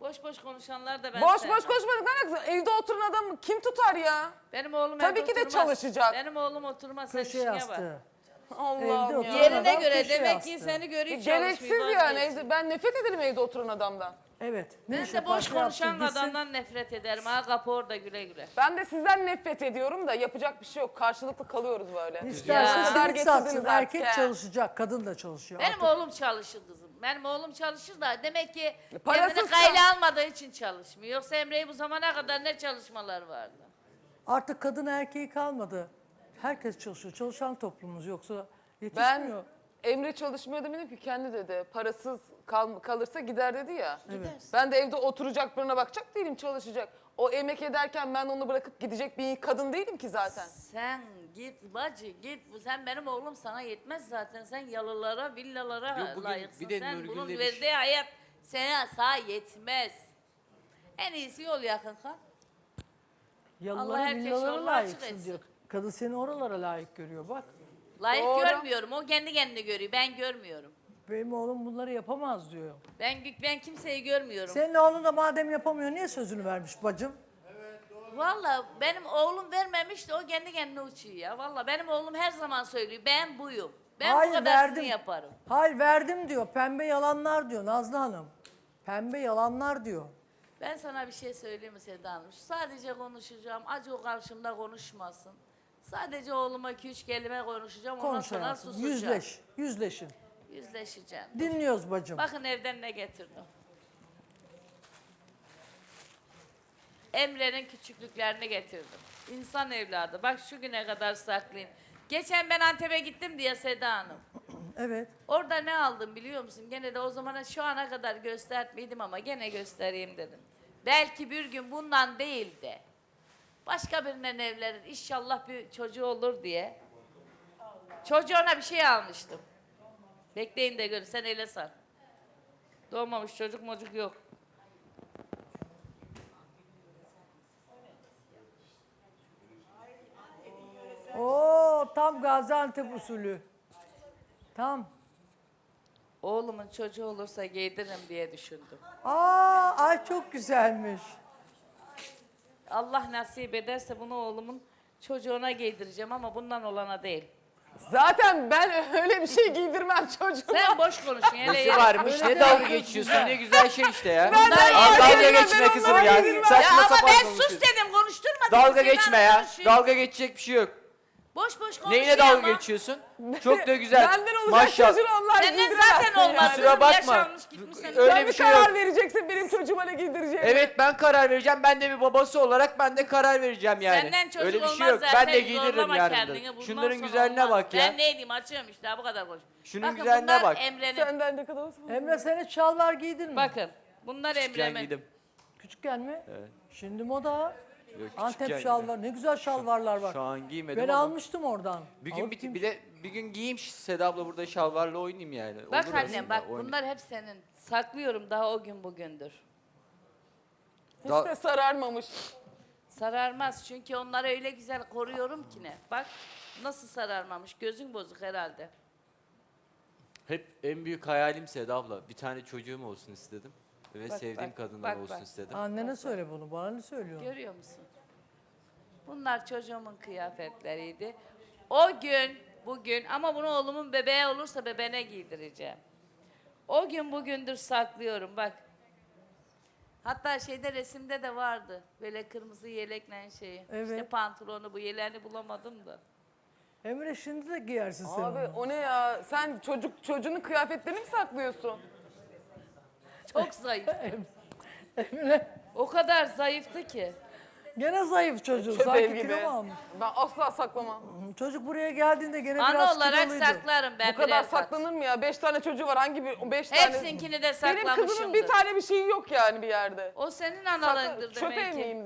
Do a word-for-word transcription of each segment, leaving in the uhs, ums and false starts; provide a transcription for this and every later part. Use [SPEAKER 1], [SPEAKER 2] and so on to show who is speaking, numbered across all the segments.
[SPEAKER 1] Boş boş konuşanlar da ben
[SPEAKER 2] Boş
[SPEAKER 1] sevmem.
[SPEAKER 2] boş konuşmadık. Ne alakası? Evde oturan adamı kim tutar ya?
[SPEAKER 1] Benim oğlum
[SPEAKER 2] Tabii
[SPEAKER 1] evde
[SPEAKER 2] ki de
[SPEAKER 1] oturmaz.
[SPEAKER 2] çalışacak.
[SPEAKER 1] Benim oğlum oturmaz. Sen
[SPEAKER 3] Köşe
[SPEAKER 1] işine bak.
[SPEAKER 3] yastığı.
[SPEAKER 2] Allah'ım
[SPEAKER 3] Evde
[SPEAKER 2] ya.
[SPEAKER 3] oturan
[SPEAKER 1] Yerine
[SPEAKER 3] adam
[SPEAKER 1] göre
[SPEAKER 3] köşe
[SPEAKER 1] demek ki
[SPEAKER 3] yastığı.
[SPEAKER 1] seni görüyor
[SPEAKER 2] Gereksiz
[SPEAKER 1] çalışmıyor.
[SPEAKER 2] yani.
[SPEAKER 1] vazgeç.
[SPEAKER 2] Evde, ben nefret ederim evde oturan adamdan.
[SPEAKER 3] Evet. Ne
[SPEAKER 1] Ben
[SPEAKER 3] iş
[SPEAKER 1] de boş
[SPEAKER 3] yaparsa
[SPEAKER 1] konuşan
[SPEAKER 3] yapsın, gitsin.
[SPEAKER 1] adamdan nefret ederim. Ha kapı orada güle güle.
[SPEAKER 2] Ben de sizden nefret ediyorum da yapacak bir şey yok. Karşılıklı kalıyoruz böyle.
[SPEAKER 3] İsterse
[SPEAKER 1] Ya.
[SPEAKER 3] simit satsın.
[SPEAKER 2] Getirdiniz
[SPEAKER 3] Erkek
[SPEAKER 2] artık, he.
[SPEAKER 3] çalışacak, kadın da çalışıyor.
[SPEAKER 1] Benim
[SPEAKER 3] Artık
[SPEAKER 1] oğlum çalışır kızım. Benim oğlum çalışır da demek ki
[SPEAKER 2] Parasız
[SPEAKER 1] kendini kayla almadığı için çalışmıyor. Yoksa Emre'yi bu zamana kadar ne çalışmalar vardı.
[SPEAKER 3] artık kadın erkeği kalmadı. Herkes çalışıyor. Çalışan toplumumuz yoksa
[SPEAKER 2] Ben
[SPEAKER 3] yetişmiyor.
[SPEAKER 2] Emre çalışmıyor demedim ki, kendi dedi. Parasız kal, kalırsa gider dedi ya.
[SPEAKER 3] Evet.
[SPEAKER 2] Ben de evde oturacak, birine bakacak değilim, çalışacak. O emek ederken ben onu bırakıp gidecek bir kadın değilim ki zaten.
[SPEAKER 1] Sen git bacı git. Bu sen benim oğlum sana yetmez zaten. Sen yalılara, villalara
[SPEAKER 4] Yok, bugün
[SPEAKER 1] layıksın.
[SPEAKER 4] bir de
[SPEAKER 1] Sen
[SPEAKER 4] Nurgül
[SPEAKER 1] bunun
[SPEAKER 4] demiş.
[SPEAKER 1] verdiği hayat sana sağ yetmez. En iyisi yol yakın kal. Allah
[SPEAKER 3] Yalılara,
[SPEAKER 1] herkes
[SPEAKER 3] villalara
[SPEAKER 1] yolunu açık
[SPEAKER 3] layıksın
[SPEAKER 1] etsin.
[SPEAKER 3] diyor. Kadın seni oralara layık görüyor bak.
[SPEAKER 1] Layık
[SPEAKER 2] Doğru.
[SPEAKER 1] görmüyorum. O kendi kendini görüyor. Ben görmüyorum.
[SPEAKER 3] Benim oğlum bunları yapamaz diyor.
[SPEAKER 1] Ben ben kimseyi görmüyorum.
[SPEAKER 3] Senin oğlun da madem yapamıyor niye sözünü vermiş bacım?
[SPEAKER 1] Vallahi benim oğlum vermemiş de o kendi kendine uçuyor ya. Vallahi benim oğlum her zaman söylüyor. Ben buyum. Ben
[SPEAKER 3] Hayır,
[SPEAKER 1] bu kadarsını
[SPEAKER 3] verdim.
[SPEAKER 1] yaparım.
[SPEAKER 3] Hayır verdim diyor. Pembe yalanlar diyor Nazlı Hanım. Pembe yalanlar diyor.
[SPEAKER 1] Ben sana bir şey söyleyeyim mi Seda Hanım? Sadece konuşacağım. Acı o karşımda konuşmasın. Sadece oğluma iki üç kelime konuşacağım. Ondan
[SPEAKER 3] Konuş
[SPEAKER 1] sonra
[SPEAKER 3] hayatım.
[SPEAKER 1] susacağım.
[SPEAKER 3] Yüzleş. Yüzleşin.
[SPEAKER 1] Yüzleşeceğim.
[SPEAKER 3] Dinliyoruz bacım.
[SPEAKER 1] Bakın evden ne getirdim. Emre'nin küçüklüklerini getirdim. İnsan evladı. Bak şu güne kadar saklayayım. Geçen ben Antep'e gittim diye Seda Hanım.
[SPEAKER 3] Evet.
[SPEAKER 1] Orada ne aldım biliyor musun? Gene de o zamana şu ana kadar göstermeydim ama gene göstereyim dedim. Belki bir gün bundan değil de başka birinin evlenir. İnşallah bir çocuğu olur diye. Çocuğuna bir şey almıştım. Bekleyin de görün. Sen ele sar. Doğmamış çocuk mocuk yok.
[SPEAKER 3] Oo tam Gaziantep usulü. Tam.
[SPEAKER 1] Oğlumun çocuğu olursa giydiririm diye düşündüm.
[SPEAKER 3] Aa ay çok güzelmiş.
[SPEAKER 1] Allah nasip ederse bunu oğlumun çocuğuna giydireceğim ama bundan olana değil.
[SPEAKER 2] Zaten ben öyle bir şey giydirmem çocuğuma.
[SPEAKER 1] Sen boş konuşun. Hele
[SPEAKER 4] Nesi
[SPEAKER 1] ya.
[SPEAKER 4] varmış
[SPEAKER 3] Öyle
[SPEAKER 4] ne dalga
[SPEAKER 3] demek
[SPEAKER 4] geçiyorsun
[SPEAKER 3] güzel.
[SPEAKER 4] ne güzel şey işte ya.
[SPEAKER 2] Ben de
[SPEAKER 4] Al
[SPEAKER 2] fark
[SPEAKER 4] dalga
[SPEAKER 2] etmem,
[SPEAKER 4] geçme
[SPEAKER 2] ben
[SPEAKER 4] kızım
[SPEAKER 2] onları
[SPEAKER 4] ya.
[SPEAKER 2] bilmem.
[SPEAKER 4] Saçma
[SPEAKER 1] Ya ama
[SPEAKER 4] sapan
[SPEAKER 1] ben
[SPEAKER 4] konuşuyorsun.
[SPEAKER 1] sus dedim konuşturma.
[SPEAKER 4] Dalga
[SPEAKER 1] dedim,
[SPEAKER 4] geçme
[SPEAKER 1] Seda
[SPEAKER 4] ya.
[SPEAKER 1] konuşuyor.
[SPEAKER 4] Dalga geçecek bir şey yok.
[SPEAKER 1] Boş boş konuşuyor
[SPEAKER 4] Neyine dalga
[SPEAKER 1] ama.
[SPEAKER 4] geçiyorsun? Çok da güzel.
[SPEAKER 2] Benden olacak
[SPEAKER 4] Maşallah.
[SPEAKER 2] çocuğunu onlar
[SPEAKER 1] Senden
[SPEAKER 2] giydiremezsin
[SPEAKER 1] zaten olmaz.
[SPEAKER 2] yani.
[SPEAKER 4] Kusura bakma.
[SPEAKER 1] Yaşanmış gitmiş senin.
[SPEAKER 4] Öyle
[SPEAKER 2] Sen
[SPEAKER 4] bir
[SPEAKER 2] bir
[SPEAKER 4] şey
[SPEAKER 2] karar
[SPEAKER 4] yok.
[SPEAKER 2] vereceksin benim çocuğuma ne giydireceğimi.
[SPEAKER 4] Evet ben karar vereceğim. Ben de bir babası olarak ben de karar vereceğim yani.
[SPEAKER 1] Senden çocuk
[SPEAKER 4] Öyle bir
[SPEAKER 1] olmaz
[SPEAKER 4] şey yok.
[SPEAKER 1] zaten.
[SPEAKER 4] Ben de giydiririm
[SPEAKER 1] Zorlama
[SPEAKER 4] yarın
[SPEAKER 1] kendini,
[SPEAKER 4] da.
[SPEAKER 1] bundan
[SPEAKER 4] Şunların
[SPEAKER 1] sonra
[SPEAKER 4] güzelliğine
[SPEAKER 1] olmaz.
[SPEAKER 4] bak ya.
[SPEAKER 1] Ben neydim açıyorum işte bu kadar konuş.
[SPEAKER 4] Şunun
[SPEAKER 1] Bakın
[SPEAKER 4] güzelliğine
[SPEAKER 1] bunlar
[SPEAKER 4] bak.
[SPEAKER 1] Emre'nin.
[SPEAKER 2] Senden ne kadar olsun.
[SPEAKER 3] Emre sen hiç şalvar giydin mi?
[SPEAKER 1] Bakın bunlar
[SPEAKER 4] Küçükken
[SPEAKER 1] Emre'min.
[SPEAKER 4] giydim.
[SPEAKER 3] Küçükken mi?
[SPEAKER 4] Evet.
[SPEAKER 3] Şimdi moda.
[SPEAKER 4] Yok,
[SPEAKER 3] Antep
[SPEAKER 4] küçükken
[SPEAKER 3] şalvar. Ne güzel şalvarlar var.
[SPEAKER 4] Şu an giymedim
[SPEAKER 3] Ben
[SPEAKER 4] ama.
[SPEAKER 3] almıştım oradan.
[SPEAKER 4] Bir gün
[SPEAKER 3] Alıp
[SPEAKER 4] bir,
[SPEAKER 3] giymiş-
[SPEAKER 4] bir de bir gün giyeyim Seda abla burada şalvarla oynayayım yani.
[SPEAKER 1] Bak
[SPEAKER 4] Olur
[SPEAKER 1] annem
[SPEAKER 4] aslında,
[SPEAKER 1] bak
[SPEAKER 4] oynayayım.
[SPEAKER 1] bunlar hep senin. Saklıyorum daha o gün bugündür.
[SPEAKER 2] Hiç
[SPEAKER 4] Da-
[SPEAKER 2] de sararmamış.
[SPEAKER 1] Sararmaz çünkü onları öyle güzel koruyorum ki ne. Bak nasıl sararmamış gözün bozuk herhalde.
[SPEAKER 4] Hep en büyük hayalim Seda abla. Bir tane çocuğum olsun istedim. Ve
[SPEAKER 1] Bak,
[SPEAKER 4] sevdiğim
[SPEAKER 1] bak,
[SPEAKER 4] kadından
[SPEAKER 1] bak,
[SPEAKER 4] olsun
[SPEAKER 1] bak.
[SPEAKER 4] istedim.
[SPEAKER 3] Annene söyle bunu. Bana ne söylüyorsun?
[SPEAKER 1] Görüyor musun? Bunlar çocuğumun kıyafetleriydi. O gün, bugün ama bunu oğlumun bebeği olursa bebeğine giydireceğim. O gün bugündür saklıyorum bak. Hatta şeyde resimde de vardı. Böyle kırmızı yelekle şeyi.
[SPEAKER 3] Evet.
[SPEAKER 1] İşte pantolonu bu yeleğini bulamadım da.
[SPEAKER 3] Emre şimdi de giyersin sen
[SPEAKER 2] Abi
[SPEAKER 3] onu.
[SPEAKER 2] o ne ya? Sen çocuk çocuğunun kıyafetlerini mi saklıyorsun?
[SPEAKER 1] Çok zayıf.
[SPEAKER 3] Emre
[SPEAKER 1] O kadar zayıftı ki.
[SPEAKER 3] gene zayıf çocuğu.
[SPEAKER 2] Köpeğim
[SPEAKER 3] Sanki
[SPEAKER 2] gibi.
[SPEAKER 3] kilo mu almış?
[SPEAKER 2] Ben asla saklamam.
[SPEAKER 3] Çocuk buraya geldiğinde gene
[SPEAKER 1] Ana
[SPEAKER 3] biraz
[SPEAKER 1] olarak
[SPEAKER 3] kiloluydu.
[SPEAKER 1] saklarım ben
[SPEAKER 2] Bu kadar
[SPEAKER 1] birer kat.
[SPEAKER 2] saklanır mı ya? Beş tane çocuğu var. Hangi bir? Beş tane.
[SPEAKER 1] Hepsinkini de
[SPEAKER 2] Benim kızımın
[SPEAKER 1] saklamışımdır.
[SPEAKER 2] bir tane bir şeyi yok yani bir yerde.
[SPEAKER 1] O senin
[SPEAKER 2] Sakla-
[SPEAKER 1] analığındır demek
[SPEAKER 2] Çöpe
[SPEAKER 1] ki.
[SPEAKER 2] miyim ben?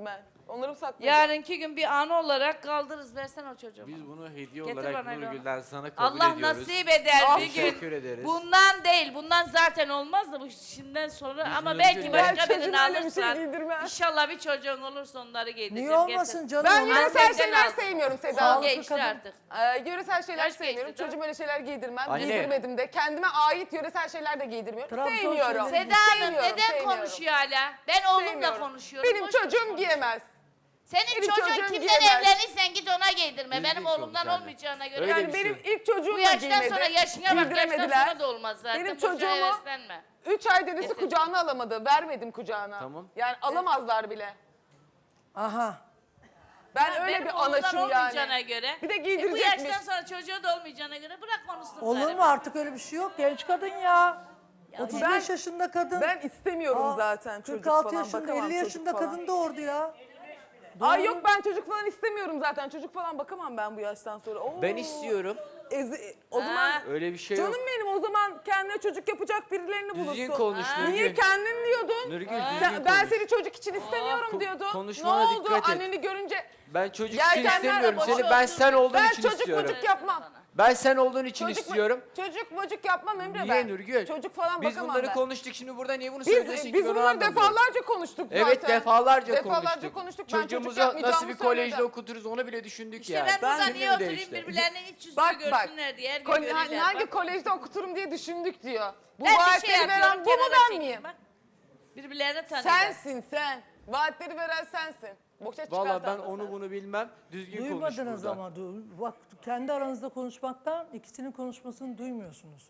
[SPEAKER 2] Onları mı saklayacağım?
[SPEAKER 1] Yarınki gün bir an olarak kaldırırız. Versen o çocuğu.
[SPEAKER 4] Biz bunu hediye
[SPEAKER 1] Getir
[SPEAKER 4] olarak
[SPEAKER 1] bana bir
[SPEAKER 4] Nurgül'den sana kabul
[SPEAKER 1] Allah
[SPEAKER 4] ediyoruz.
[SPEAKER 1] nasip eder
[SPEAKER 2] Ah,
[SPEAKER 1] bir gün.
[SPEAKER 4] teşekkür ederiz.
[SPEAKER 1] Bundan değil. Bundan zaten olmaz da bu şimdiden sonra
[SPEAKER 4] Biz
[SPEAKER 1] ama
[SPEAKER 4] Nurgül'le-
[SPEAKER 1] belki
[SPEAKER 2] Ben
[SPEAKER 1] başka
[SPEAKER 2] çocuğuma
[SPEAKER 1] birini
[SPEAKER 2] öyle bir şey
[SPEAKER 1] alırsan.
[SPEAKER 2] giydirmem.
[SPEAKER 1] İnşallah bir çocuğun olursa onları giydireceğim.
[SPEAKER 3] Niye olmasın
[SPEAKER 1] Getir.
[SPEAKER 3] canım?
[SPEAKER 2] Ben
[SPEAKER 3] Onlar-
[SPEAKER 2] yöresel
[SPEAKER 1] Annemden
[SPEAKER 2] şeyler
[SPEAKER 1] aldım.
[SPEAKER 2] sevmiyorum Seda
[SPEAKER 3] Sağlıklı
[SPEAKER 2] Hanım.
[SPEAKER 1] Geçti
[SPEAKER 3] kadın.
[SPEAKER 1] artık.
[SPEAKER 2] Ee, yöresel şeyler
[SPEAKER 1] Yaş geçti,
[SPEAKER 2] sevmiyorum.
[SPEAKER 1] tamam.
[SPEAKER 2] Çocuğuma öyle şeyler giydirmem.
[SPEAKER 4] Anne.
[SPEAKER 2] Giydirmedim de. Kendime ait yöresel şeyler de giydirmiyorum.
[SPEAKER 3] Trabzon
[SPEAKER 2] Sevmiyorum.
[SPEAKER 3] şeyleri-
[SPEAKER 1] Seda Hanım
[SPEAKER 2] Sevmiyorum,
[SPEAKER 1] neden
[SPEAKER 2] sevmiyorum.
[SPEAKER 1] konuşuyor hala? Ben oğlumla
[SPEAKER 2] Sevmiyorum.
[SPEAKER 1] konuşuyorum.
[SPEAKER 2] Benim
[SPEAKER 1] boş
[SPEAKER 2] çocuğum
[SPEAKER 1] boş
[SPEAKER 2] giyemez.
[SPEAKER 1] Senin
[SPEAKER 2] benim
[SPEAKER 1] çocuğun
[SPEAKER 2] çocuğum
[SPEAKER 1] kimden
[SPEAKER 2] giyemez.
[SPEAKER 1] evlenirsen git ona giydirme.
[SPEAKER 4] Düzgün
[SPEAKER 1] Benim oğlumdan
[SPEAKER 4] konuş anne.
[SPEAKER 1] olmayacağına göre.
[SPEAKER 4] Öyle
[SPEAKER 2] Yani
[SPEAKER 4] bir
[SPEAKER 2] benim
[SPEAKER 4] şey.
[SPEAKER 2] ilk çocuğum
[SPEAKER 1] Bu
[SPEAKER 2] da
[SPEAKER 1] yaştan
[SPEAKER 2] giymedi.
[SPEAKER 1] sonra yaşına bak. Yaştan
[SPEAKER 2] Giydiremediler.
[SPEAKER 1] sonra da olmaz zaten.
[SPEAKER 2] Benim
[SPEAKER 1] Boşuna
[SPEAKER 2] çocuğumu-
[SPEAKER 1] heveslenme.
[SPEAKER 2] Üç ay dedesi
[SPEAKER 1] Getir.
[SPEAKER 2] kucağına alamadı. Vermedim kucağına.
[SPEAKER 4] Tamam.
[SPEAKER 2] Yani alamazlar bile.
[SPEAKER 3] Aha.
[SPEAKER 2] Ben
[SPEAKER 1] Ha,
[SPEAKER 2] öyle
[SPEAKER 1] benim
[SPEAKER 2] bir
[SPEAKER 1] oğlumdan
[SPEAKER 2] anaçım
[SPEAKER 1] olmayacağına
[SPEAKER 2] yani.
[SPEAKER 1] göre.
[SPEAKER 2] Bir de
[SPEAKER 1] E, bu
[SPEAKER 2] giydirecekmiş.
[SPEAKER 1] yaştan sonra çocuğu da olmayacağına göre bırak konuşsun.
[SPEAKER 3] Olur
[SPEAKER 1] bari.
[SPEAKER 3] mu artık öyle bir şey yok. Genç kadın ya. otuz beş
[SPEAKER 2] ben-
[SPEAKER 3] yaşında kadın.
[SPEAKER 2] Ben istemiyorum
[SPEAKER 3] Aa,
[SPEAKER 2] zaten çocuk
[SPEAKER 3] kırk altı
[SPEAKER 2] falan.
[SPEAKER 3] yaşında,
[SPEAKER 2] bakamam
[SPEAKER 3] elli
[SPEAKER 2] çocuk
[SPEAKER 3] yaşında
[SPEAKER 2] falan.
[SPEAKER 3] kadın doğurdu ya.
[SPEAKER 2] Ay
[SPEAKER 3] Doğru.
[SPEAKER 2] yok ben çocuk falan istemiyorum zaten. Çocuk falan bakamam ben bu yaştan sonra. Oo.
[SPEAKER 4] Ben istiyorum.
[SPEAKER 2] Ezi- o
[SPEAKER 1] Ha.
[SPEAKER 2] zaman
[SPEAKER 4] Öyle bir şey yok.
[SPEAKER 2] canım benim o zaman kendine çocuk yapacak birilerini bulursun.
[SPEAKER 4] Düzgün konuş
[SPEAKER 1] Ha.
[SPEAKER 4] Nurgül.
[SPEAKER 2] Niye kendin diyordun?
[SPEAKER 4] Nurgül
[SPEAKER 1] Ha.
[SPEAKER 4] düzgün
[SPEAKER 2] Sen- ben
[SPEAKER 4] konuş.
[SPEAKER 2] seni çocuk için istemiyorum
[SPEAKER 4] Ko-
[SPEAKER 2] diyordun.
[SPEAKER 4] konuşmana
[SPEAKER 2] ne oldu?
[SPEAKER 4] dikkat et.
[SPEAKER 2] Anneni görünce
[SPEAKER 4] Ben çocuk için
[SPEAKER 2] Yelkenler de
[SPEAKER 4] istemiyorum
[SPEAKER 2] boş
[SPEAKER 4] seni.
[SPEAKER 1] olsun.
[SPEAKER 4] Ben sen olduğun
[SPEAKER 2] ben
[SPEAKER 4] için
[SPEAKER 2] çocuk
[SPEAKER 4] istiyorum.
[SPEAKER 2] çocuk yapmam.
[SPEAKER 4] Ben sen olduğun için
[SPEAKER 2] Çocuk,
[SPEAKER 4] istiyorum.
[SPEAKER 2] çocuk mocuk yapmam Emre
[SPEAKER 4] Niye
[SPEAKER 2] ben.
[SPEAKER 4] Nurgül?
[SPEAKER 2] Çocuk falan
[SPEAKER 4] Biz
[SPEAKER 2] bakamam
[SPEAKER 4] bunları
[SPEAKER 2] ben.
[SPEAKER 4] konuştuk şimdi burada niye bunu
[SPEAKER 2] Biz,
[SPEAKER 4] söylüyorsun ki
[SPEAKER 2] biz
[SPEAKER 4] ben onu
[SPEAKER 2] bunları
[SPEAKER 4] anlamıyorum.
[SPEAKER 2] defalarca konuştuk zaten.
[SPEAKER 4] Evet defalarca,
[SPEAKER 2] Defalarca
[SPEAKER 4] konuştuk.
[SPEAKER 2] konuştuk. Ben çocuk
[SPEAKER 4] Çocuğumuzu
[SPEAKER 2] yapmayacağımı
[SPEAKER 4] nasıl bir kolejde
[SPEAKER 2] söyledim.
[SPEAKER 4] okuturuz onu bile düşündük
[SPEAKER 1] İşte
[SPEAKER 4] yani.
[SPEAKER 1] ben burada
[SPEAKER 4] Şimdi
[SPEAKER 1] niye
[SPEAKER 4] mi
[SPEAKER 1] oturayım
[SPEAKER 4] değişti?
[SPEAKER 1] birbirlerinin iç yüzünü
[SPEAKER 2] Bak bak.
[SPEAKER 1] görsünler diye her gün
[SPEAKER 2] Kol-
[SPEAKER 1] görürler.
[SPEAKER 2] hangi
[SPEAKER 1] Bak,
[SPEAKER 2] kolejde okuturum diye düşündük diyor. Bu
[SPEAKER 1] ben bir şey
[SPEAKER 2] vaatleri
[SPEAKER 1] yapıyorum,
[SPEAKER 2] veren bu mu
[SPEAKER 1] kenara
[SPEAKER 2] ben
[SPEAKER 1] çekeyim,
[SPEAKER 2] miyim?
[SPEAKER 1] bak. Birbirlerine tanıyorlar.
[SPEAKER 2] Sensin sen. Vaatleri veren sensin. Boşa çıkartan
[SPEAKER 4] Valla ben
[SPEAKER 2] da
[SPEAKER 4] onu
[SPEAKER 2] sensin.
[SPEAKER 4] bunu bilmem. Düzgün konuş
[SPEAKER 3] Duymadınız
[SPEAKER 4] burada.
[SPEAKER 3] ama. du- Bak kendi aranızda konuşmaktan ikisinin konuşmasını duymuyorsunuz.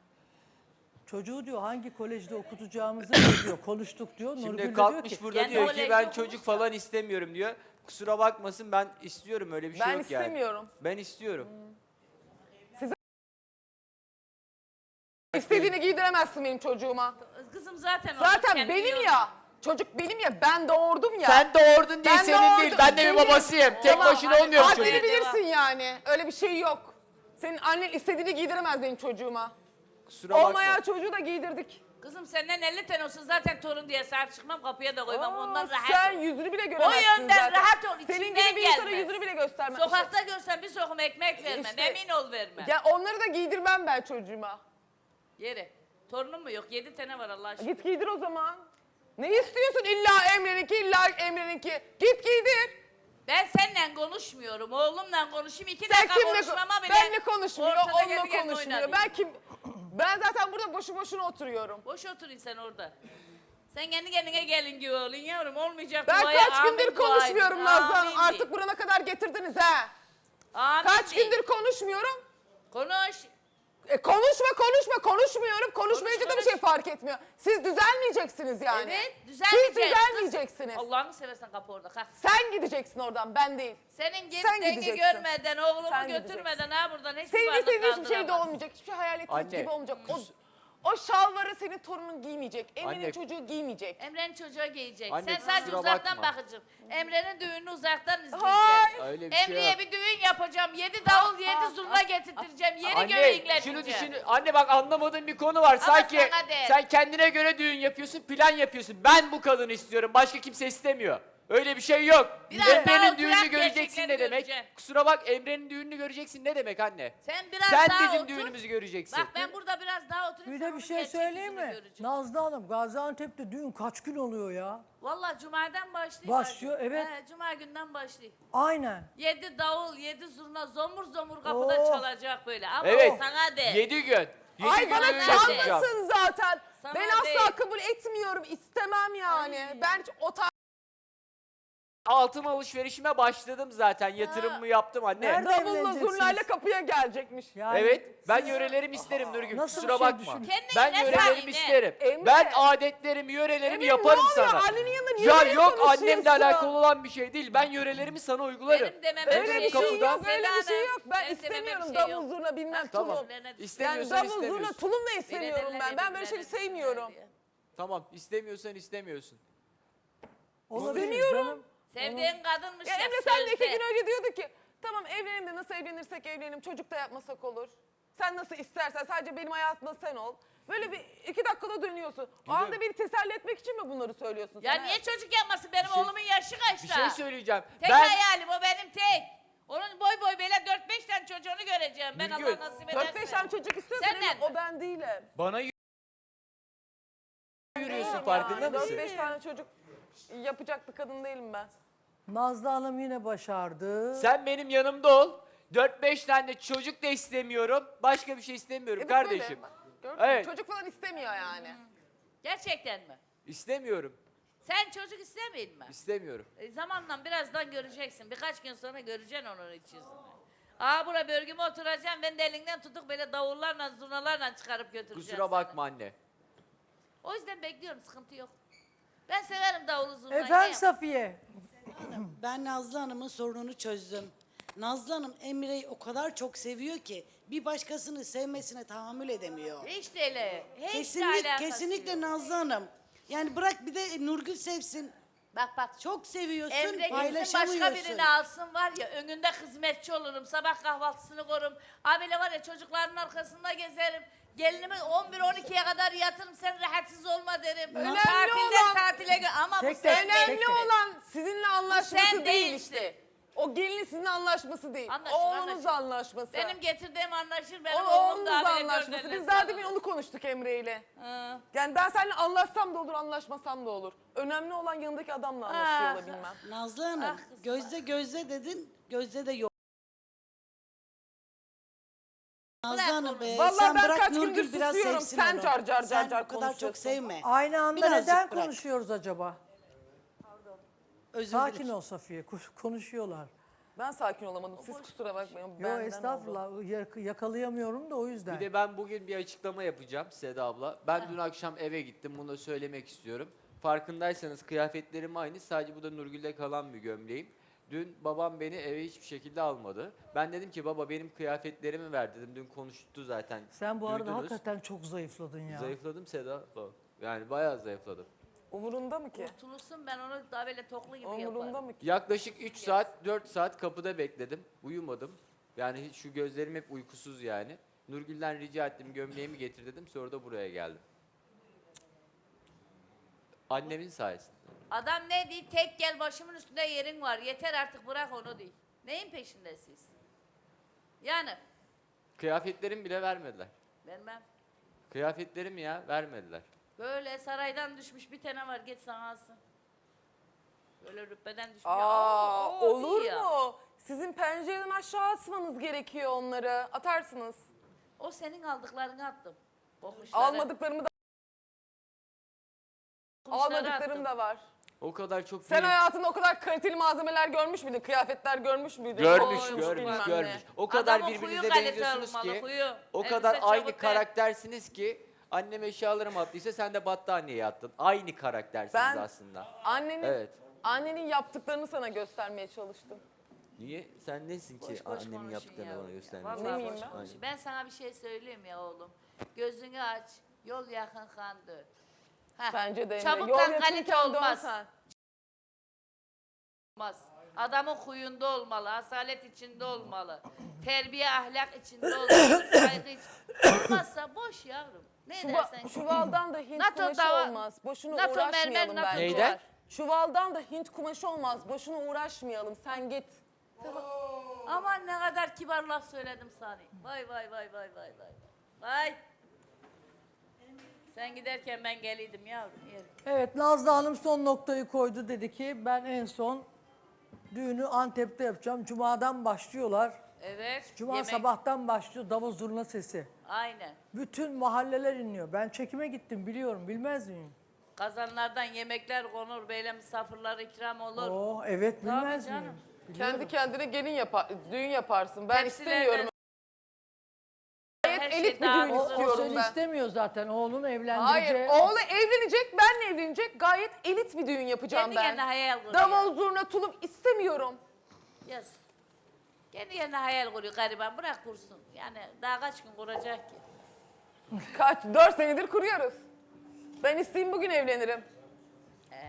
[SPEAKER 3] Çocuğu diyor hangi kolejde okutacağımızı diyor. Konuştuk diyor. Nurgül de
[SPEAKER 4] Şimdi
[SPEAKER 3] diyor
[SPEAKER 4] kalkmış
[SPEAKER 3] ki
[SPEAKER 4] burada
[SPEAKER 1] kendi
[SPEAKER 4] diyor ki
[SPEAKER 1] kolejde
[SPEAKER 4] ben
[SPEAKER 1] okumuş
[SPEAKER 4] çocuk
[SPEAKER 1] da.
[SPEAKER 4] falan istemiyorum diyor. Kusura bakmasın ben istiyorum öyle bir şey
[SPEAKER 2] Ben
[SPEAKER 4] yok yani.
[SPEAKER 2] istemiyorum.
[SPEAKER 4] Ben istiyorum.
[SPEAKER 2] İstediğini giydiremezsin benim çocuğuma.
[SPEAKER 1] Kızım zaten o.
[SPEAKER 2] Zaten
[SPEAKER 1] kendi
[SPEAKER 2] benim
[SPEAKER 1] yolu.
[SPEAKER 2] ya. Çocuk benim ya. Ben doğurdum ya.
[SPEAKER 4] Sen doğurdun diye
[SPEAKER 2] Ben
[SPEAKER 4] senin
[SPEAKER 2] doğurdum,
[SPEAKER 4] değil. Ben de bir
[SPEAKER 2] benim.
[SPEAKER 4] babasıyım. Tek
[SPEAKER 2] Tamam,
[SPEAKER 4] başına
[SPEAKER 1] hadi
[SPEAKER 4] olmuyor bu
[SPEAKER 1] kalk
[SPEAKER 4] çocuk.
[SPEAKER 2] Haddini
[SPEAKER 1] Devam.
[SPEAKER 2] bilirsin yani. Öyle bir şey yok. Senin annen istediğini giydiremez benim çocuğuma.
[SPEAKER 4] Kusura bakma.
[SPEAKER 2] Olmayan çocuğu da giydirdik.
[SPEAKER 1] Kızım senden elli tane olsun zaten torun diye sahip çıkmam kapıya da koymam
[SPEAKER 2] Aa,
[SPEAKER 1] ondan rahat
[SPEAKER 2] sen
[SPEAKER 1] ol.
[SPEAKER 2] yüzünü bile göremezsin
[SPEAKER 1] yönden
[SPEAKER 2] zaten.
[SPEAKER 1] rahat ol,
[SPEAKER 2] Senin
[SPEAKER 1] içinden
[SPEAKER 2] gibi bir insana
[SPEAKER 1] gelmez.
[SPEAKER 2] yüzünü bile göstermem.
[SPEAKER 1] Sokakta görsen bir sokum ekmek vermem
[SPEAKER 2] İşte-
[SPEAKER 1] emin ol vermem.
[SPEAKER 2] Ya onları da giydirmem ben çocuğuma.
[SPEAKER 1] Yere. Torunum mu yok? Yedi tane var Allah aşkına.
[SPEAKER 2] Git giydir o zaman. Ne istiyorsun illa Emre'ninki illa Emre'ninki? Git giydir.
[SPEAKER 1] Ben seninle konuşmuyorum. Oğlumla konuşayım. İki
[SPEAKER 2] Sen
[SPEAKER 1] dakika
[SPEAKER 2] kimle
[SPEAKER 1] konuşmama bile.
[SPEAKER 2] benle konuşmuyor,
[SPEAKER 1] ortada
[SPEAKER 2] onunla
[SPEAKER 1] kendi kendine
[SPEAKER 2] konuşmuyor.
[SPEAKER 1] oynanıyor.
[SPEAKER 2] Ben kim? Ben zaten burada boşu boşuna oturuyorum.
[SPEAKER 1] Boş oturun sen orada. Sen kendi kendine gelin gibi olun yavrum. Olmayacak
[SPEAKER 2] Ben
[SPEAKER 1] duaya
[SPEAKER 2] kaç
[SPEAKER 1] amin
[SPEAKER 2] gündür
[SPEAKER 1] dua
[SPEAKER 2] konuşmuyorum
[SPEAKER 1] edin.
[SPEAKER 2] Nazlı Hanım.
[SPEAKER 1] Amin
[SPEAKER 2] Artık
[SPEAKER 1] deyin.
[SPEAKER 2] burana kadar getirdiniz ha.
[SPEAKER 1] Amin
[SPEAKER 2] Kaç
[SPEAKER 1] deyin.
[SPEAKER 2] gündür konuşmuyorum.
[SPEAKER 1] Konuş.
[SPEAKER 2] E konuşma konuşma konuşmuyorum. Konuşmayınca
[SPEAKER 1] Konuş,
[SPEAKER 2] da bir şey fark etmiyor. Siz düzelmeyeceksiniz yani.
[SPEAKER 1] Evet,
[SPEAKER 2] Siz
[SPEAKER 1] düzelmeyeceğiz.
[SPEAKER 2] düzelmeyeceksiniz.
[SPEAKER 1] Allah'ını seversen kapı orada kalk.
[SPEAKER 2] Sen gideceksin oradan ben değil.
[SPEAKER 1] Senin
[SPEAKER 2] Sen
[SPEAKER 1] gittiğini
[SPEAKER 2] gideceksin.
[SPEAKER 1] görmeden, oğlumu
[SPEAKER 2] Sen
[SPEAKER 1] götürmeden ha buradan hiçbir
[SPEAKER 2] Senin
[SPEAKER 1] varlık
[SPEAKER 2] istediğin hiçbir şey de
[SPEAKER 1] kaldıramaz.
[SPEAKER 2] olmayacak. Hiçbir şey hayal ettiğin
[SPEAKER 4] Anne.
[SPEAKER 2] gibi olmayacak. O, o şalvarı senin torunun giymeyecek. Emre'nin
[SPEAKER 4] Anne.
[SPEAKER 2] çocuğu giymeyecek.
[SPEAKER 1] Emre'nin çocuğa giyecek.
[SPEAKER 4] Anne,
[SPEAKER 1] Sen sadece
[SPEAKER 4] kusura
[SPEAKER 1] uzaktan
[SPEAKER 4] bakma.
[SPEAKER 1] bakacaksın. Emre'nin düğününü uzaktan izleyeceksin.
[SPEAKER 2] Hayır.
[SPEAKER 4] Öyle bir şey
[SPEAKER 1] Emre'ye
[SPEAKER 4] yok.
[SPEAKER 1] bir düğün yapacağım. Yedi davul, yedi zurna getirtireceğim. Yeri göğe
[SPEAKER 4] Anne
[SPEAKER 1] inleteceğim.
[SPEAKER 4] şunu düşün. Anne bak anlamadığın bir konu var. Sanki
[SPEAKER 1] sana de.
[SPEAKER 4] sen kendine göre düğün yapıyorsun, plan yapıyorsun. Ben bu kadını istiyorum. Başka kimse istemiyor. Öyle bir şey yok.
[SPEAKER 1] Biraz daha
[SPEAKER 4] Emre'nin
[SPEAKER 1] oturak
[SPEAKER 4] düğününü göreceksin
[SPEAKER 1] gerçekleri
[SPEAKER 4] ne demek?
[SPEAKER 1] göreceksin.
[SPEAKER 4] Kusura bak Emre'nin düğününü göreceksin ne demek anne?
[SPEAKER 1] Sen biraz
[SPEAKER 4] Sen
[SPEAKER 1] daha
[SPEAKER 4] bizim
[SPEAKER 1] otur.
[SPEAKER 4] düğünümüzü göreceksin.
[SPEAKER 1] Bak ben burada biraz daha oturayım.
[SPEAKER 3] bir
[SPEAKER 1] sen
[SPEAKER 3] de bir
[SPEAKER 1] onun
[SPEAKER 3] şey
[SPEAKER 1] gerçek
[SPEAKER 3] söyleyeyim
[SPEAKER 1] yüzünü
[SPEAKER 3] mi?
[SPEAKER 1] göreceksin.
[SPEAKER 3] Nazlı Hanım Gaziantep'te düğün kaç gün oluyor ya?
[SPEAKER 1] Vallahi Cuma'dan başlıyor.
[SPEAKER 3] Başlıyor,
[SPEAKER 1] artık.
[SPEAKER 3] evet.
[SPEAKER 1] He, Cuma günden başlıyor.
[SPEAKER 3] Aynen.
[SPEAKER 1] Yedi davul, yedi zurna, zomur zomur kapıda
[SPEAKER 3] Oo.
[SPEAKER 1] çalacak böyle. Ama
[SPEAKER 4] Evet.
[SPEAKER 1] sana de.
[SPEAKER 4] Yedi gün. Yedi
[SPEAKER 2] Ay
[SPEAKER 4] gün
[SPEAKER 2] bana
[SPEAKER 4] düğün
[SPEAKER 1] çalmasın.
[SPEAKER 4] yapacağım.
[SPEAKER 2] çalmasın zaten.
[SPEAKER 1] Sana
[SPEAKER 2] ben asla
[SPEAKER 1] değil.
[SPEAKER 2] kabul etmiyorum. İstemem yani.
[SPEAKER 1] Ay.
[SPEAKER 2] Ben hiç o tarz
[SPEAKER 4] Altın alışverişime başladım zaten. Yatırımımı yaptım anne.
[SPEAKER 3] Nerede?
[SPEAKER 2] davulla
[SPEAKER 3] evleneceksiniz?
[SPEAKER 2] zurnayla kapıya gelecekmiş.
[SPEAKER 3] Yani
[SPEAKER 4] Evet, ben
[SPEAKER 3] siz-
[SPEAKER 4] yörelerimi isterim Nurgül.
[SPEAKER 3] Nasıl
[SPEAKER 4] Kusura
[SPEAKER 3] bir şey
[SPEAKER 4] bakma.
[SPEAKER 3] düşün-
[SPEAKER 1] Kendine
[SPEAKER 4] Ben
[SPEAKER 1] ne
[SPEAKER 4] yörelerimi
[SPEAKER 1] sahine?
[SPEAKER 4] isterim.
[SPEAKER 2] Emre.
[SPEAKER 4] Ben adetlerimi, yörelerimi
[SPEAKER 2] Emre,
[SPEAKER 4] yaparım
[SPEAKER 2] ne oluyor?
[SPEAKER 4] sana.
[SPEAKER 2] Annenin yanında niye
[SPEAKER 4] Ya
[SPEAKER 2] böyle
[SPEAKER 4] yok
[SPEAKER 2] konuşuyorsun?
[SPEAKER 4] annemle alakalı olan bir şey değil. Ben yörelerimi sana uygularım.
[SPEAKER 1] Benim demem
[SPEAKER 2] Öyle
[SPEAKER 4] Emre
[SPEAKER 2] bir şey
[SPEAKER 4] kapıda-
[SPEAKER 2] yok, öyle bir şey yok. Ben
[SPEAKER 1] Benim demem
[SPEAKER 2] istemiyorum
[SPEAKER 1] bir şey yok.
[SPEAKER 2] davul zurna bilmem
[SPEAKER 4] Tamam.
[SPEAKER 2] tulum.
[SPEAKER 1] Türklerine-
[SPEAKER 2] Yani
[SPEAKER 4] İstemiyorsan
[SPEAKER 2] davul zurna
[SPEAKER 4] istemiyorsun.
[SPEAKER 2] tulum da istemiyorum
[SPEAKER 1] Benedeller
[SPEAKER 2] ben. Ben böyle şey
[SPEAKER 1] birbirlerine
[SPEAKER 2] sevmiyorum.
[SPEAKER 1] diye.
[SPEAKER 4] Tamam, istemiyorsan istemiyorsun.
[SPEAKER 3] Olabilir
[SPEAKER 2] İstemiyorum.
[SPEAKER 3] canım.
[SPEAKER 1] Sevdiğin kadınmış
[SPEAKER 2] Ya
[SPEAKER 1] hep
[SPEAKER 2] Emre sen de iki
[SPEAKER 1] sözde.
[SPEAKER 2] gün önce diyorduk ki tamam evlenelim de nasıl evlenirsek evlenelim çocuk da yapmasak olur. Sen nasıl istersen sadece benim hayatımda sen ol. Böyle bir iki dakikada dönüyorsun. O anda beni teselli etmek için mi bunları söylüyorsun?
[SPEAKER 1] Ya
[SPEAKER 2] sen
[SPEAKER 1] niye
[SPEAKER 2] hayatım?
[SPEAKER 1] çocuk yapmasın? Benim
[SPEAKER 4] şey-
[SPEAKER 1] oğlumun yaşı kaçta?
[SPEAKER 4] Bir şey söyleyeceğim.
[SPEAKER 1] Tek
[SPEAKER 4] ben
[SPEAKER 1] hayalim o benim tek. Onun boy boy böyle dört beş tane çocuğunu göreceğim. Ben
[SPEAKER 4] Nurgül,
[SPEAKER 1] Allah nasip ederse.
[SPEAKER 2] Dört beş tane çocuk istiyorsun
[SPEAKER 1] Senden
[SPEAKER 2] ama
[SPEAKER 1] mi?
[SPEAKER 2] o ben değilim.
[SPEAKER 4] bana y- yürüyorsun
[SPEAKER 2] Değilim
[SPEAKER 4] farkında
[SPEAKER 2] yani.
[SPEAKER 4] mısın?
[SPEAKER 2] Dört beş tane çocuk yapacak bir kadın değilim ben.
[SPEAKER 3] Nazlı Hanım yine başardı.
[SPEAKER 4] Sen benim yanımda ol. dört beş tane çocuk da istemiyorum. Başka bir şey istemiyorum
[SPEAKER 2] Evet,
[SPEAKER 4] kardeşim.
[SPEAKER 2] böyle. Bak, gördün mü?
[SPEAKER 4] Evet.
[SPEAKER 2] Çocuk falan istemiyor yani.
[SPEAKER 1] Gerçekten mi?
[SPEAKER 4] İstemiyorum.
[SPEAKER 1] Sen çocuk istemeyin mi?
[SPEAKER 4] İstemiyorum.
[SPEAKER 1] E, zamanla birazdan göreceksin. Birkaç gün sonra göreceksin onun iç yüzünü. Aa bura bölgüme oturacağım. Ben de elinden tutup böyle davullarla, zurnalarla çıkarıp götüreceğim.
[SPEAKER 4] Kusura
[SPEAKER 1] seni.
[SPEAKER 4] bakma anne.
[SPEAKER 1] O yüzden bekliyorum. Sıkıntı yok. Ben severim davulu zurnayı.
[SPEAKER 3] Efendim
[SPEAKER 1] ne yap-
[SPEAKER 3] Safiye.
[SPEAKER 5] Ben Nazlı Hanım'ın sorununu çözdüm. Nazlı Hanım Emre'yi o kadar çok seviyor ki bir başkasını sevmesine tahammül edemiyor.
[SPEAKER 1] Hiç de öyle. Hiç de
[SPEAKER 5] Kesinlikle,
[SPEAKER 1] alakası
[SPEAKER 5] kesinlikle
[SPEAKER 1] yok.
[SPEAKER 5] Nazlı Hanım. Yani bırak bir de Nurgül sevsin.
[SPEAKER 1] Bak bak.
[SPEAKER 5] Çok seviyorsun,
[SPEAKER 1] Emre gitsin
[SPEAKER 5] paylaşamıyorsun.
[SPEAKER 1] başka birini alsın var ya önünde hizmetçi olurum. Sabah kahvaltısını korum. Abiyle var ya çocukların arkasında gezerim. Gelinimi on bir on ikiye kadar yatırım sen rahatsız olma derim.
[SPEAKER 2] Önemli
[SPEAKER 1] Tatilden
[SPEAKER 2] olan-
[SPEAKER 1] tatile gö- ama
[SPEAKER 3] Tek
[SPEAKER 1] bu
[SPEAKER 3] tek,
[SPEAKER 1] sen
[SPEAKER 3] tek
[SPEAKER 2] Önemli
[SPEAKER 3] tek.
[SPEAKER 2] olan sizinle anlaşması
[SPEAKER 1] sen
[SPEAKER 2] değil
[SPEAKER 1] değilsin.
[SPEAKER 2] işte. O gelinin sizinle anlaşması değil.
[SPEAKER 1] Anlaşır,
[SPEAKER 2] Oğlunuzla
[SPEAKER 1] anlaşır.
[SPEAKER 2] anlaşması.
[SPEAKER 1] Benim getirdiğim anlaşır
[SPEAKER 2] o
[SPEAKER 1] benim oğlum da
[SPEAKER 2] oğlunuzla
[SPEAKER 1] abiyle
[SPEAKER 2] anlaşması.
[SPEAKER 1] dört
[SPEAKER 2] Biz
[SPEAKER 1] elle
[SPEAKER 2] daha
[SPEAKER 1] sarılır.
[SPEAKER 2] demin onu konuştuk Emre ile.
[SPEAKER 1] Hı.
[SPEAKER 2] Yani ben seninle anlaşsam da olur, anlaşmasam da olur. Önemli olan yanındaki adamla anlaşıyor
[SPEAKER 1] Ah.
[SPEAKER 2] olabilmem.
[SPEAKER 5] Nazlı Hanım,
[SPEAKER 1] Ah kızım.
[SPEAKER 5] gözde gözde dedin, gözde de yok. Nazlı
[SPEAKER 1] Bırak
[SPEAKER 5] Hanım,
[SPEAKER 1] onu.
[SPEAKER 5] e,
[SPEAKER 2] Vallahi
[SPEAKER 5] sen
[SPEAKER 2] ben
[SPEAKER 5] bırak
[SPEAKER 2] kaç
[SPEAKER 5] Nurgül
[SPEAKER 2] gündür
[SPEAKER 5] biraz
[SPEAKER 2] susuyorum.
[SPEAKER 5] sevsin
[SPEAKER 2] Sen
[SPEAKER 5] onu.
[SPEAKER 2] car car car
[SPEAKER 5] Sen
[SPEAKER 2] car
[SPEAKER 5] bu kadar çok
[SPEAKER 2] konuşuyorsun.
[SPEAKER 5] sevme.
[SPEAKER 3] Aynı anda
[SPEAKER 5] Birazcık
[SPEAKER 3] neden
[SPEAKER 5] bırak.
[SPEAKER 3] konuşuyoruz acaba?
[SPEAKER 5] Özür
[SPEAKER 3] Sakin
[SPEAKER 5] dilerim.
[SPEAKER 3] ol Safiye. koş- Konuşuyorlar.
[SPEAKER 2] Ben sakin olamadım. Siz kusura bakmayın.
[SPEAKER 3] Yo
[SPEAKER 2] Benden oldu.
[SPEAKER 3] estağfurullah yak- yakalayamıyorum da o yüzden.
[SPEAKER 4] Bir de ben bugün bir açıklama yapacağım Seda abla. Ben dün akşam eve gittim. Bunu da söylemek istiyorum. Farkındaysanız kıyafetlerim aynı. Sadece bu da Nurgül'de kalan bir gömleğim. Dün babam beni eve hiçbir şekilde almadı. Ben dedim ki baba benim kıyafetlerimi ver dedim. Dün konuştu zaten.
[SPEAKER 3] Sen bu arada
[SPEAKER 4] Duydunuz.
[SPEAKER 3] hakikaten çok zayıfladın ya.
[SPEAKER 4] Zayıfladım Seda abla. Yani bayağı zayıfladım.
[SPEAKER 2] Umurunda mı ki?
[SPEAKER 1] Kurtulursun ben onu daha böyle toklu gibi
[SPEAKER 2] Umurunda
[SPEAKER 1] yaparım.
[SPEAKER 2] mı ki?
[SPEAKER 4] Yaklaşık üç saat, dört saat kapıda bekledim. Uyumadım. Yani hiç- şu gözlerim hep uykusuz yani. Nurgül'den rica ettim gömleğimi getir dedim. Sonra da buraya geldim. Annemin sayesinde.
[SPEAKER 1] Adam ne diyor? Tek gel başımın üstünde yerin var. Yeter artık bırak onu diyor. Neyin peşindesiniz? Yani
[SPEAKER 4] Kıyafetlerimi bile vermediler.
[SPEAKER 1] vermem.
[SPEAKER 4] Kıyafetlerim ya vermediler.
[SPEAKER 1] Böyle saraydan düşmüş bir tane var git sana alsın. Böyle rütbeden düşmüş.
[SPEAKER 2] Aa,
[SPEAKER 1] o
[SPEAKER 2] olur
[SPEAKER 1] değil ya.
[SPEAKER 2] mu? Sizin pencereden aşağı atmanız gerekiyor onları. Atarsınız.
[SPEAKER 1] O senin aldıklarını attım. Kokmuşları.
[SPEAKER 2] Almadıklarımı da
[SPEAKER 1] kokmuşları
[SPEAKER 2] almadıklarım
[SPEAKER 1] attım.
[SPEAKER 2] da var.
[SPEAKER 4] O kadar çok
[SPEAKER 2] Sen
[SPEAKER 4] değil.
[SPEAKER 2] hayatında o kadar kaliteli malzemeler görmüş müydün? Kıyafetler görmüş müydün?
[SPEAKER 4] Görmüş,
[SPEAKER 2] Koymuş
[SPEAKER 4] görmüş,
[SPEAKER 2] bilmem
[SPEAKER 4] görmüş.
[SPEAKER 2] ne.
[SPEAKER 4] O kadar
[SPEAKER 1] Adamın
[SPEAKER 4] birbirinize
[SPEAKER 1] huyu kalite
[SPEAKER 4] benziyorsunuz
[SPEAKER 1] olmalı,
[SPEAKER 4] ki.
[SPEAKER 1] huyu.
[SPEAKER 4] O
[SPEAKER 1] Elbise
[SPEAKER 4] kadar aynı
[SPEAKER 1] çabuk
[SPEAKER 4] karaktersiniz ki. Annem eşyalarımı attıysa sen de battaniyeye attın. Aynı karaktersiniz
[SPEAKER 2] Ben-
[SPEAKER 4] aslında.
[SPEAKER 2] Annenin,
[SPEAKER 4] Evet.
[SPEAKER 2] annenin yaptıklarını sana göstermeye çalıştım.
[SPEAKER 4] Niye? Sen nesin ki
[SPEAKER 1] Boş boş
[SPEAKER 4] annemin
[SPEAKER 1] konuşun
[SPEAKER 4] yaptıklarını
[SPEAKER 1] ya.
[SPEAKER 4] bana göstermek?
[SPEAKER 1] Vallahi
[SPEAKER 2] Ne miyim
[SPEAKER 1] boş
[SPEAKER 2] ben?
[SPEAKER 1] konuşun. Ben sana bir şey söyleyeyim ya oğlum. Gözünü aç. Yol yakın kan dön. Heh,
[SPEAKER 2] Bence de Emre.
[SPEAKER 1] Çabuktan
[SPEAKER 2] Yol
[SPEAKER 1] kalite
[SPEAKER 2] yakınken
[SPEAKER 1] olmaz.
[SPEAKER 2] dönsen.
[SPEAKER 1] Olmaz. Adamın huyunda olmalı, asalet içinde olmalı. Terbiye, ahlak içinde olmalı, saygı içinde. Olmazsa boş yavrum. Ne
[SPEAKER 2] Çuva-
[SPEAKER 1] dersen.
[SPEAKER 2] çuvaldan da Hint
[SPEAKER 1] NATO
[SPEAKER 2] kumaşı
[SPEAKER 1] dava-
[SPEAKER 2] olmaz. Boşuna
[SPEAKER 1] NATO mermer,
[SPEAKER 2] uğraşmayalım
[SPEAKER 1] NATO
[SPEAKER 2] bence.
[SPEAKER 4] Neyden?
[SPEAKER 1] duvar.
[SPEAKER 2] Çuvaldan da Hint kumaşı olmaz. Boşuna uğraşmayalım. Sen git.
[SPEAKER 1] Aman ne kadar kibar laf söyledim sana. Vay vay vay vay vay vay. Vay. Sen giderken ben geliydim yavrum. Yerim.
[SPEAKER 3] Evet Nazlı Hanım son noktayı koydu, dedi ki ben en son düğünü Antep'te yapacağım. Cuma'dan başlıyorlar.
[SPEAKER 1] Evet.
[SPEAKER 3] Cuma
[SPEAKER 1] yemek-
[SPEAKER 3] sabahtan başlıyor davul zurna sesi.
[SPEAKER 1] Aynen.
[SPEAKER 3] Bütün mahalleler inliyor. Ben çekime gittim biliyorum, bilmez miyim?
[SPEAKER 1] Kazanlardan yemekler konur, böyle misafirler ikram olur.
[SPEAKER 3] Oh evet,
[SPEAKER 1] Tabii
[SPEAKER 3] bilmez
[SPEAKER 1] canım.
[SPEAKER 3] miyim? Biliyorum.
[SPEAKER 2] Kendi kendine gelin yapar, düğün yaparsın. Ben
[SPEAKER 1] Tepsilerden-
[SPEAKER 2] istemiyorum.
[SPEAKER 1] Her
[SPEAKER 2] Gayet
[SPEAKER 1] şey
[SPEAKER 2] elit bir
[SPEAKER 1] daha
[SPEAKER 2] düğün
[SPEAKER 3] O, o
[SPEAKER 2] istiyorum
[SPEAKER 3] seni
[SPEAKER 2] ben.
[SPEAKER 3] istemiyor zaten. Oğlunu
[SPEAKER 2] Hayır,
[SPEAKER 3] evlendirecek.
[SPEAKER 2] oğlu evlenecek, benle evlenecek. Gayet elit bir düğün yapacağım
[SPEAKER 1] Kendi
[SPEAKER 2] ben.
[SPEAKER 1] kendine hayal kuruyor.
[SPEAKER 2] Davul, zurna, tulum istemiyorum.
[SPEAKER 1] Yaz. Kendi kendine hayal kuruyor gariban. Bırak kursun. Yani daha kaç gün kuracak ki?
[SPEAKER 2] Kaç, dört senedir kuruyoruz. Ben isteyeyim bugün evlenirim.